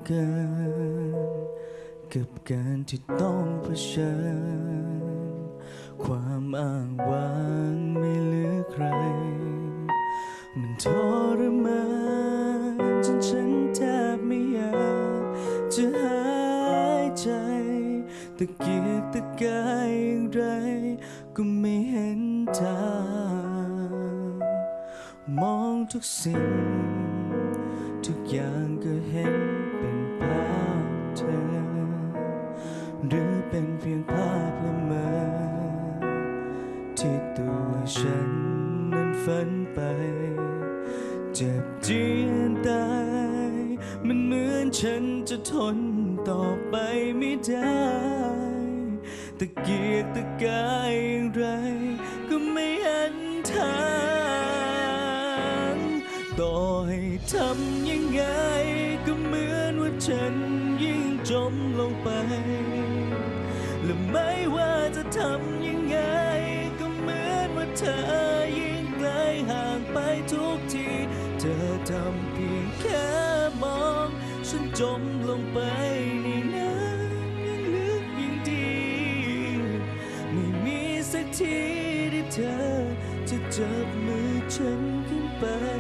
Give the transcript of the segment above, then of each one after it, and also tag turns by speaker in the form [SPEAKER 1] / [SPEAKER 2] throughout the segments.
[SPEAKER 1] เกินกับการที่ต้องเผชิญความอ้างว้างไม่เหลือใครมันทรมานจนฉันแทบไม่อยากจะหายใจตะเกียกตะกายอย่างไรก็ไม่เห็นทางมองทุกสิ่งทุกอย่างก็เห็นเป็นภาพเธอหรือเป็นเพียงภาพละเมอที่ตัวฉันนั้นฝันไปเจ็บเจียนตายมันเหมือนฉันจะทนต่อไปไม่ได้ตะเกียกตะกายอย่างไรก็ไม่เห็นทางต่อให้ทำยังไงก็เหมือนว่าฉันยิ่งจมลงไปและไม่ว่าจะทำยังไงก็เหมือนว่าเธอยิ่งไกลห่างไปทุกทีเธอทำเพียงแค่มองฉันจมลงไปในน้ำยิ่งลึกยิ่งดีไม่มีสักทีที่เธอจะจับมือฉันขึ้นไป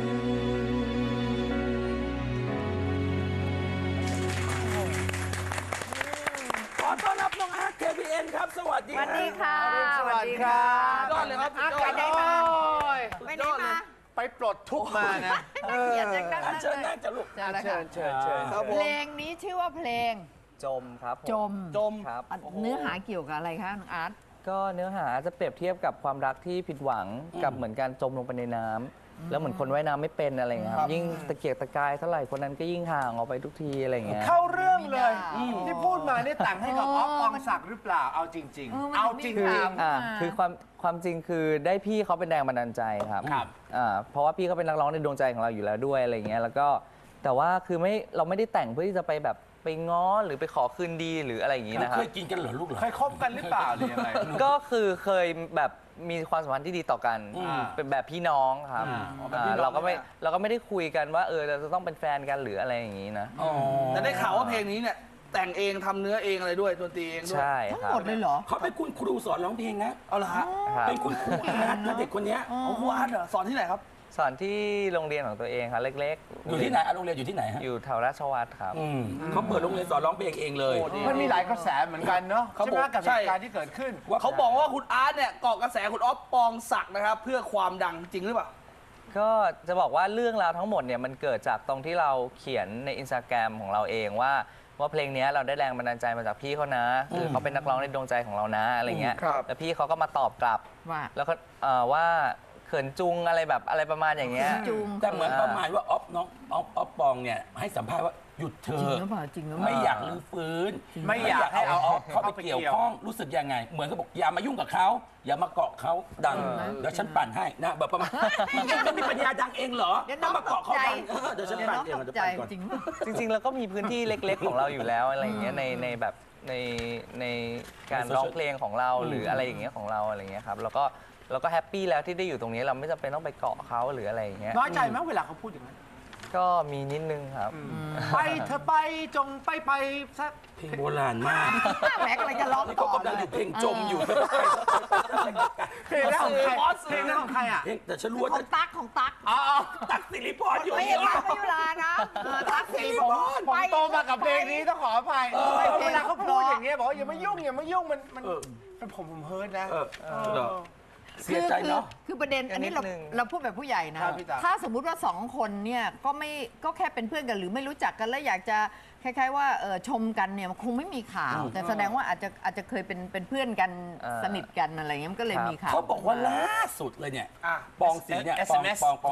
[SPEAKER 2] ขอต้อนรับน้องอาร์ต KPN ครับสวัสดี
[SPEAKER 3] สวัสดีค่ะ
[SPEAKER 4] สวัสดีครับ
[SPEAKER 2] ยอดเลยครับ
[SPEAKER 3] อาร์ตไปไหนมาไปไหนมา
[SPEAKER 4] ไปปลดทุกข์มานะ
[SPEAKER 3] เกียรติจังนั้น
[SPEAKER 2] อันเชิญนั่งจะลูก
[SPEAKER 3] เจอแล้ว
[SPEAKER 4] เชิ
[SPEAKER 3] ค่ะ
[SPEAKER 4] ญเชิญเชิญครับผ
[SPEAKER 3] เพ
[SPEAKER 4] ม
[SPEAKER 3] ลงนี้ชื่อว่าเพลง
[SPEAKER 5] จมครับผม
[SPEAKER 3] จม
[SPEAKER 2] จม
[SPEAKER 5] ครับ
[SPEAKER 3] เนื้อหาเกี่ยวกับอะไรคะน้องอาร์ต
[SPEAKER 5] ก็เนื้อหาจะเปรียบเทียบกับความรักที่ผิดหวังกับเหมือนการจมลงไปในน้ำแล้วเหมือนคนว่ายน้ำไม่เป็นอะไรอย่างเงี้ยครับยิ่งตะเกียกตะกายเท่าไหร่คนนั้นก็ยิ่งห่างออกไปทุกทีอะไรอย่างเงี้ย
[SPEAKER 4] เข้าเรื่องเลย
[SPEAKER 3] ไม่ได้
[SPEAKER 4] ที่พูดมานี่แต่งให้กับอ๊อฟปองศักดิ์หรือเปล่าเอาจริง ๆ เอาจริง
[SPEAKER 5] คือ
[SPEAKER 4] ๆ
[SPEAKER 5] คือความจริงคือได้พี่เขาเป็นแรงบันดาลใจครับ
[SPEAKER 4] ครับ
[SPEAKER 5] เพราะว่าพี่เขาเป็นนักร้องในดวงใจของเราอยู่แล้วด้วยอะไรอย่างเงี้ยแล้วก็แต่ว่าคือเราไม่ได้แต่งเพื่อที่จะไปแบบไปง้อหรือไปขอคืนดีหรืออะไรอย่างงี้นะครั
[SPEAKER 2] เค
[SPEAKER 5] บ
[SPEAKER 2] ยกินกันเหรอลูกเหรอ
[SPEAKER 4] เคยคบกันหรือเปล่าหรือยังไง
[SPEAKER 5] ก็คือเคยแบบมีความสัมพันธ์ที่ดีต่อกัน เป็นแบบพี่น้องครับเราก็ไม่ได้คุยกันว่าเราจะต้องเป็นแฟนกันหรืออะไรอย่างนี้นะ
[SPEAKER 6] แต่ได้ข่าวว่าเพลงนี้เนี่ยแต่งเองทำเนื้อเองอะไรด้วยดนตรีเองด้วย
[SPEAKER 5] ใช่
[SPEAKER 3] ทั้ง
[SPEAKER 5] ครับ
[SPEAKER 3] หมดเลยเหรอ
[SPEAKER 2] เขาเป็นคุณครูสอนร้องเพลงนะ
[SPEAKER 6] เอาละฮะ
[SPEAKER 5] ครับ
[SPEAKER 2] เป็นคุณครูอาร์ตนะเด็กคนเนี้ย
[SPEAKER 6] เอาครูอาร์ตเหรอสอนที่ไหนครับ
[SPEAKER 5] สอนที่โรงเรียนของตัวเองครับเล็กๆ
[SPEAKER 2] อยู่ที่ไหนโรงเรียนอยู่ที่ไหนฮะ
[SPEAKER 5] อยู่แถวราชวัตรครับ
[SPEAKER 2] เขาเปิดโรงเรียนสอนร้องเพลงเองเลย
[SPEAKER 4] มันมีหลายกระแสเหมือนกันเนาะ
[SPEAKER 6] เขา
[SPEAKER 4] ใช่ไหม
[SPEAKER 6] บอก
[SPEAKER 4] กับเห
[SPEAKER 6] ใช่
[SPEAKER 4] ตุการณ์ที่เกิดขึ้น
[SPEAKER 6] เขาบอกว่าคุณอาร์ตเนี่ยเกาะกระแสคุณอ๊อฟปองศักดิ์นะครับ เพื่อความดังจริงหรือเปล่า
[SPEAKER 5] ก็จะบอกว่าเรื่องราวทั้งหมดเนี่ยมันเกิดจากตรงที่เราเขียนในอินสตาแกรมของเราเองว่าเพลงนี้เราได้แรงบันดาลใจมาจากพี่เขานะคือเขาเป็นนักร้องในดวงใจของเรานะอะไรเงี้ย
[SPEAKER 6] ครับ
[SPEAKER 5] แล้วพี่เขาก็มาตอบกลับ
[SPEAKER 3] ว่า
[SPEAKER 5] แล้วก็ว่าเขินจุงอะไรแบบอะไรประมาณอย่างเงี้ย
[SPEAKER 3] จูง
[SPEAKER 2] แต่เหมือนประมาณว่าอ๊อฟน้องอ๊อฟปองเนี่ยให้สัมภาษณ์ว่าหยุดเธ
[SPEAKER 3] จริง
[SPEAKER 2] อ
[SPEAKER 3] หรือเปล่าจริงหรือเป
[SPEAKER 2] ไม่
[SPEAKER 3] ล่า
[SPEAKER 2] อยากรื้อฟื้น
[SPEAKER 4] ไม่อยากให้เอาอ๊อฟ
[SPEAKER 2] เข้าไปเกี่ยวข้องรู้สึกยังไง เหมือนเขาบอกอย่ามายุ่งกับเขาอย่ามาเกาะเขาดังเดี๋ยวฉันปั่นให้นะแบบประมาณยังไม่มีปัญญาดังเองเหรอ
[SPEAKER 3] เดี๋ยวน้อง
[SPEAKER 2] มาเกาะเขาดัง
[SPEAKER 3] ตกใจ
[SPEAKER 2] เดี๋ยวฉัน
[SPEAKER 3] เดี๋ยว
[SPEAKER 2] ปั่น
[SPEAKER 3] น้อง
[SPEAKER 2] เอง
[SPEAKER 3] ตก
[SPEAKER 2] เดี๋ยว
[SPEAKER 3] ใจ
[SPEAKER 2] ปั่นก่อน
[SPEAKER 3] จริงป่ะ
[SPEAKER 5] จริงๆเราก็มีพื้นที่เล็กๆของเราอยู่แล้วอะไรอย่างเงี้ยในแบบในการร้องเพลงของเราหรืออะไรอย่างเงี้ยของเราอะไรอย่างเงี้ยครับแล้วก็แฮปปี้แล้วที่ได้อยู่ตรงนี้เราไม่จำเป็นต้องไปเกาะเขาหรืออะไรอย่างเงี้ย
[SPEAKER 4] น้อยใจไหมเวลาเขาพูดอย่างนั้น
[SPEAKER 5] ก็มีนิดนึงครับ
[SPEAKER 4] ไปเธอไปจงไปสัก
[SPEAKER 2] เพลงโบราณมาก
[SPEAKER 3] แหมกำลังจะร้อง
[SPEAKER 2] นี่
[SPEAKER 3] ต่
[SPEAKER 2] เขา
[SPEAKER 3] อก
[SPEAKER 2] ำลังอยู่เพลงจมอยู่
[SPEAKER 4] เพลงนั้นของใครเพลงนั้นของใครอ่ะ
[SPEAKER 2] เพลงแต่ฉันรู้ว่า
[SPEAKER 3] ของตั๊กของตั๊ก
[SPEAKER 4] อ๋อ
[SPEAKER 2] ตักสิริพรอยู่
[SPEAKER 3] ไม่
[SPEAKER 2] นี่
[SPEAKER 3] ใช่ตั๊กไม่ยุลานะตั๊กสิริพร
[SPEAKER 4] ผมโตมากับเพลงนี้ต้องขออภัยเวลาเขาพูดอย่างเงี้ยบอกว่าอย่ามายุ่งมันผมเฮิร์ตนะ
[SPEAKER 2] เสียใจเนาะ
[SPEAKER 3] คือประเด็นอันนี้
[SPEAKER 5] นิดนึง
[SPEAKER 3] เราพูดแบบผู้ใหญ่นะ
[SPEAKER 4] ครับพี่จ๋า
[SPEAKER 3] ถ้าสมมุติว่าสองคนเนี่ยก็แค่เป็นเพื่อนกันหรือไม่รู้จักกันแล้วอยากจะคล้ายๆว่าชมกันเนี่ยมันคงไม่มีข่าว แต่แสดงว่าอาจจะเคยเป็นเพื่อนกันสนิทกันอะไรเงี้ยมันก็เลยมีข่าว
[SPEAKER 2] เขาบอกว่าล่าสุดเลยเนี่ย ปองศรีเนี่ย
[SPEAKER 4] SMS
[SPEAKER 2] ปอง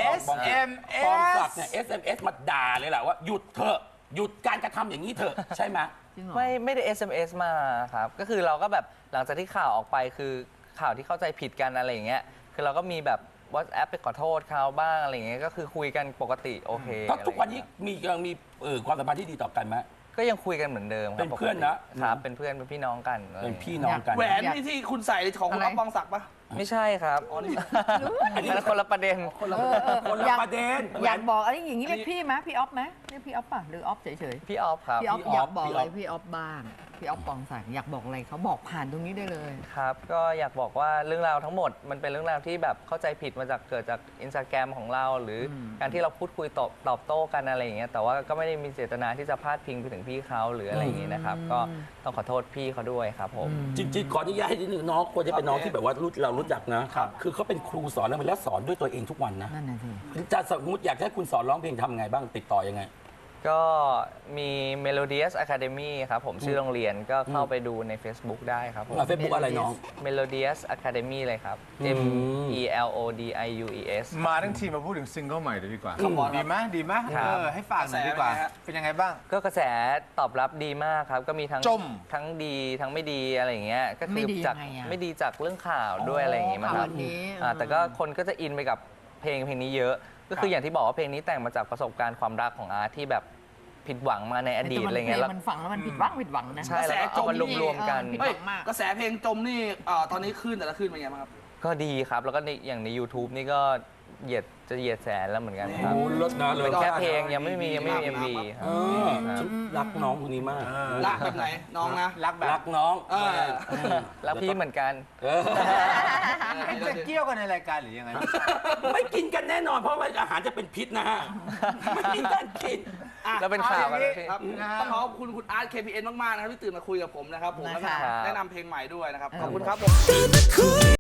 [SPEAKER 4] SMS
[SPEAKER 2] ปองศักดิ์เนี่ย SMS มาด่าเลยแหละว่าหยุดเถอะหยุดการกระทำอย่างนี้เถอะใช่ไหม
[SPEAKER 3] จริงเหรอ
[SPEAKER 5] ไม่ได้ SMS มาครับ ก็คือเราก็แบบหลังจากที่ข่าวออกไปคือข่าวที่เข้าใจผิดกันอะไรอย่างเงี้ยคือเราก็มีแบบ WhatsApp ไปขอโทษเขาบ้างอะไรอย่างเงี้ยก็คือคุยกันปกติโอเค
[SPEAKER 2] ก็ทุกวันนี้ยังมีความสัมพันธ์ที่ดีต่อกันไหม
[SPEAKER 5] ก็ยังคุยกันเหมือนเดิมครับ
[SPEAKER 2] เป็นเพื่อนนะ
[SPEAKER 5] ครับเป็นเพื่อนเป็นพี่น้องกันอะไรอ
[SPEAKER 2] เป็
[SPEAKER 5] ย่าน งงี้
[SPEAKER 2] พี่น้องกัน
[SPEAKER 6] แหวนนี่ที่คุณใส่ของคุณอ๊อฟปองศักดิ์ปะ
[SPEAKER 5] ไม่ใช่ครับ
[SPEAKER 6] อ๋อนี่
[SPEAKER 5] อันนั้นคนละประเด็น
[SPEAKER 2] คนละประเด็น
[SPEAKER 3] อยากบอกอะไรอย่างนี้เรียกพี่ไหมพี่ออฟไหมเรียกพี่ออฟป่ะหรือออฟเฉย
[SPEAKER 5] พี่ออฟครับ
[SPEAKER 3] ๆพี่ออฟอยากบอกอะไรพี่ออฟบ้างพี่ออฟปองศักดิ์อยากบอกอะไรเขาบอกผ่านตรงนี้ได้เลย
[SPEAKER 5] ครับก็อยากบอกว่าเรื่องราวทั้งหมดมันเป็นเรื่องราวที่แบบเข้าใจผิดมาจากเกิดจากอินสตาแกรมของเรา หรืออการที่เราพูดคุยตอบโต้กันอะไรอย่างเงี้ยแต่ว่าก็ไม่ได้มีเจตนาที่จะพาดพิงไปถึงพี่เขาหรืออะไรอย่างงี้นะครับก็ต้องขอโทษพี่เขาด้วยครับผม
[SPEAKER 2] จริงๆขออนุญาตให้นิดนึงน้องควรจะเป็นน้องที่แบบว่าเรารู้จักนะ คือเขาเป็นครูสอนแล้วสอนด้วยตัวเองทุกวันนะ
[SPEAKER 3] นั่นน่ะสิ
[SPEAKER 2] จะสมมติอยากให้คุณสอนร้องเพลงทำไงบ้างติดต่อยังไง
[SPEAKER 5] ก็มี Melodious Academy ครับผมชื่อโรงเรียนก็เข้าไปดูใน Facebook ได้ครับผม
[SPEAKER 2] เฟซบุ๊กอะไรน้อง
[SPEAKER 5] Melodious Academy เลยครับ M E L O D I U E S
[SPEAKER 7] มาทั้งทีมาพูดถึงซิงเกิลใหม่เลยดีกว่า
[SPEAKER 6] ครับผม
[SPEAKER 7] ดีไหมดีไหม
[SPEAKER 5] ครับ
[SPEAKER 7] ให้ฝากหน่อยดีกว่า
[SPEAKER 6] กระแสเป็นไงฮะ
[SPEAKER 7] เป็นยังไงบ้าง
[SPEAKER 5] ก็กระแสตอบรับดีมากครับ ก็มีทั้ง
[SPEAKER 7] จม
[SPEAKER 5] ทั้งดีทั้งไม่ดีอะไรอย่างเงี้ยก็
[SPEAKER 3] ไม่
[SPEAKER 5] คือ
[SPEAKER 3] ดี
[SPEAKER 5] จาก
[SPEAKER 3] ยังไงอะ
[SPEAKER 5] ไม่ดีจากเรื่องข่าวด้วยอะไรอย่างงี้มั้งครับ
[SPEAKER 3] ข่าวนี้
[SPEAKER 5] แต่ก็คนก็จะอินไปกับเพลงนี้เยอะ ก็คืออย่างที่บอกว่าเพลงนี้แต่งมาจากประสบการณ์ความรักของอาร์ตที่แบบผิดหวังมาในอดีตอะไรเงี้ย
[SPEAKER 3] แต่
[SPEAKER 5] แล้ว
[SPEAKER 3] มันฟังแล้วมันผิดหวังนะ
[SPEAKER 5] ใช่แล้วก็เอามารวมๆกัน
[SPEAKER 3] ผิดห
[SPEAKER 6] เฮ้ย
[SPEAKER 3] วังมาก
[SPEAKER 6] กระแสเพลงจมนี่ตอนนี้ขึ้นแต่ละขึ้นเป็นไงบ้างครับ
[SPEAKER 5] ก็ดีครับ แล้วก็อย่างใน YouTube นี่ก็เหยียดแสนแล้วเหมือนกันครับ
[SPEAKER 2] โอ้ลดนะเลย
[SPEAKER 5] เป็นแค่เพลงยังไม่มี MV ครับ
[SPEAKER 2] ฉันรักน้องคนนี้มาก
[SPEAKER 6] รักแบบไหนน้องนะ
[SPEAKER 4] รักแบบ
[SPEAKER 2] รักน้อง
[SPEAKER 5] แล้วพี่เหมือนกัน
[SPEAKER 7] จะเกี่ยวกันในรายการหรือยังไง
[SPEAKER 2] ไม่กินกันแน่นอนเพราะว่าอาหารจะเป็นพิษนะฮะไม่มีการกิน
[SPEAKER 5] แล้วเป็นข่าวกัน
[SPEAKER 6] ครับต้องขอบคุณคุณอาร์ต KPN มากๆนะครับที่ตื่นมาคุยกับผมนะครับผมแล้วก็
[SPEAKER 3] นะคะ
[SPEAKER 6] แนะนำเพลงใหม่ด้วยนะครับขอบคุณครับผม